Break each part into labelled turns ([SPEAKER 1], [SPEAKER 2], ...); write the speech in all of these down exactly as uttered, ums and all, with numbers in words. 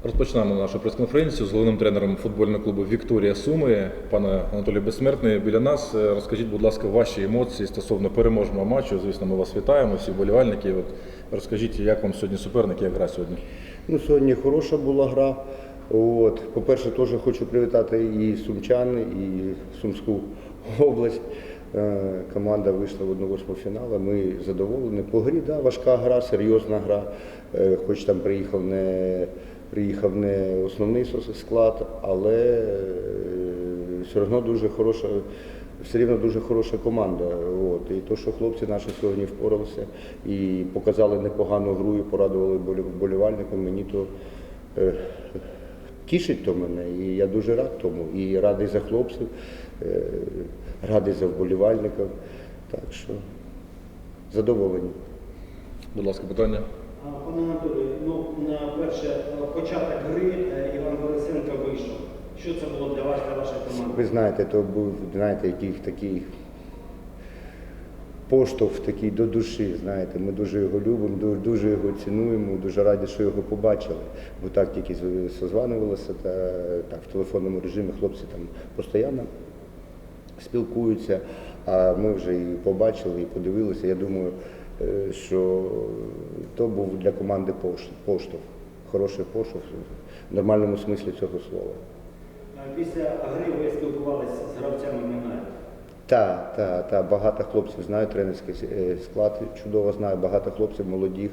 [SPEAKER 1] Розпочинаємо нашу прес-конференцію з головним тренером футбольного клубу «Вікторія» Суми, пане Анатолій Безсмертний. Біля нас. Розкажіть, будь ласка, ваші емоції стосовно переможного матчу. Звісно, ми вас вітаємо, всі вболівальники. От розкажіть, як вам сьогодні суперник, як гра сьогодні?
[SPEAKER 2] Ну, сьогодні хороша була гра. От. По-перше, теж хочу привітати і сумчан, і Сумську область. Команда вийшла в одну-восьму фіналу, ми задоволені. По грі, да, важка гра, серйозна гра, хоч там приїхав не, приїхав не основний склад, але все одно дуже хороша, все рівно дуже хороша команда. От. І то, що хлопці наші сьогодні впоралися і показали непогану гру, і порадували вболівальникам, мені то е, тішить то мене, і я дуже рад тому, і радий за хлопців, е, радий за вболівальників, так що задоволені.
[SPEAKER 1] Будь ласка, питання.
[SPEAKER 3] Пане Анатолію, ну, на перше, початок гри Іван Борисенко вийшов. Що це було для вас, для вашої команди?
[SPEAKER 2] Ви знаєте, то був, знаєте, який такий поштовх такий до душі, знаєте, ми дуже його любимо, дуже, дуже його цінуємо, дуже раді, що його побачили, бо так тільки созванювалися, та так в телефонному режимі хлопці там постійно спілкуються, а ми вже і побачили, і подивилися. Я думаю, що то був для команди поштовх, хороший поштовх в нормальному смислі цього слова.
[SPEAKER 3] Після гри ви спілкувалися з гравцями Минаю?
[SPEAKER 2] Так, так, так, багато хлопців знаю, тренерський склад чудово знаю, багато хлопців молодих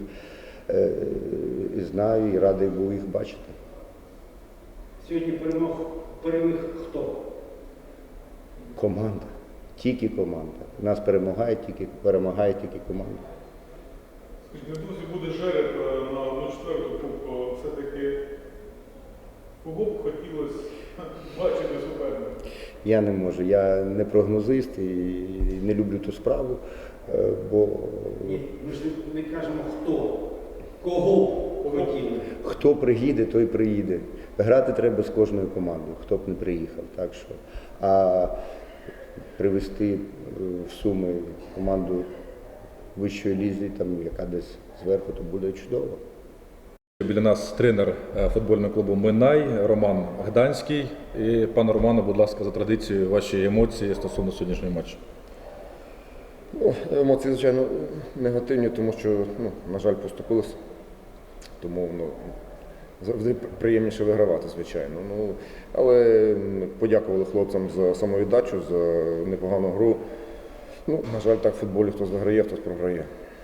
[SPEAKER 2] знаю і радий був їх бачити.
[SPEAKER 3] Сьогодні перемог, переміг хто?
[SPEAKER 2] Команда, тільки команда. У нас перемагає тільки, перемагає тільки команда.
[SPEAKER 4] Скажіть, друзі, буде жереб на одну четверту кубку, все-таки кого б хотілося бачити суперника?
[SPEAKER 2] Я не можу, я не прогнозист і не люблю ту справу, бо…
[SPEAKER 3] Ні, ми ж не кажемо хто, кого хотіли.
[SPEAKER 2] Хто приїде, той приїде. Грати треба з кожною командою, хто б не приїхав. Так що, а привезти в Суми команду вищої лізі, там, яка десь зверху, то буде чудово.
[SPEAKER 1] Біля нас тренер футбольного клубу «Минай» Роман Гданський. І, пане Романе, будь ласка, за традицією, ваші емоції стосовно сьогоднішнього матчу.
[SPEAKER 5] Ну, емоції, звичайно, негативні, тому що, ну, на жаль, поступилися. Тому, ну, завжди приємніше вигравати, звичайно. Ну, але подякували хлопцям за самовіддачу, за непогану гру. Ну, на жаль, так в футболі хтось виграє, хтось програє.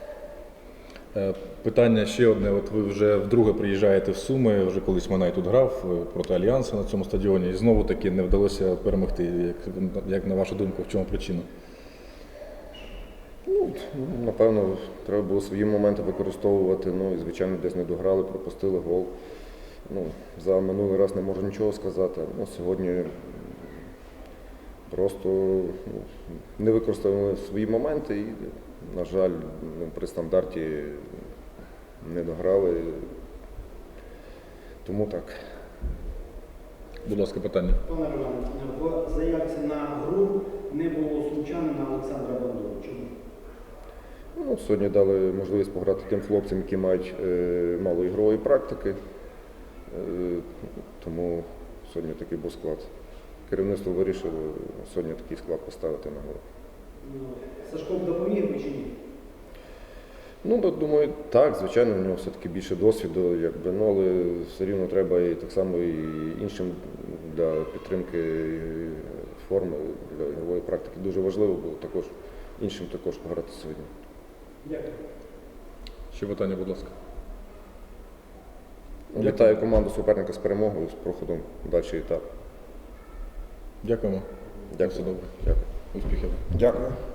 [SPEAKER 1] Питання ще одне. От ви вже вдруге приїжджаєте в Суми, вже колись Минай тут грав проти Альянсу на цьому стадіоні, і знову таки не вдалося перемогти. Як, як на вашу думку, в чому причина?
[SPEAKER 5] Ну, напевно, треба було свої моменти використовувати, ну і, звичайно, десь не дограли, пропустили гол. Ну, за минулий раз не можу нічого сказати. Ну, сьогодні просто, ну, не використовували свої моменти і, на жаль, ну, при стандарті не дограли. Тому так.
[SPEAKER 1] Будь ласка, питання.
[SPEAKER 3] Пане Романе, в заявці на гру не було сумчанина Олександра Бандури. Чому?
[SPEAKER 5] Ну, сьогодні дали можливість пограти тим хлопцям, які мають е, мало ігрової практики. Е, тому сьогодні такий був склад. Керівництво вирішило сьогодні такий склад поставити на гру.
[SPEAKER 3] Сашко допоміг би чи ні?
[SPEAKER 5] Ну, думаю, так, звичайно, у нього все-таки більше досвіду, якби, ну, але все рівно треба і так само і іншим для підтримки форми, для ігрової практики. Дуже важливо було також іншим також пограти сьогодні.
[SPEAKER 3] Дякую.
[SPEAKER 1] Ще питання, будь ласка.
[SPEAKER 5] Вітаю команду суперника з перемогою, з проходом в дальший етап.
[SPEAKER 1] Дякуємо.
[SPEAKER 5] Дякую.
[SPEAKER 1] Все добре.
[SPEAKER 5] Дякую.
[SPEAKER 1] Успіхів.
[SPEAKER 5] Дякую.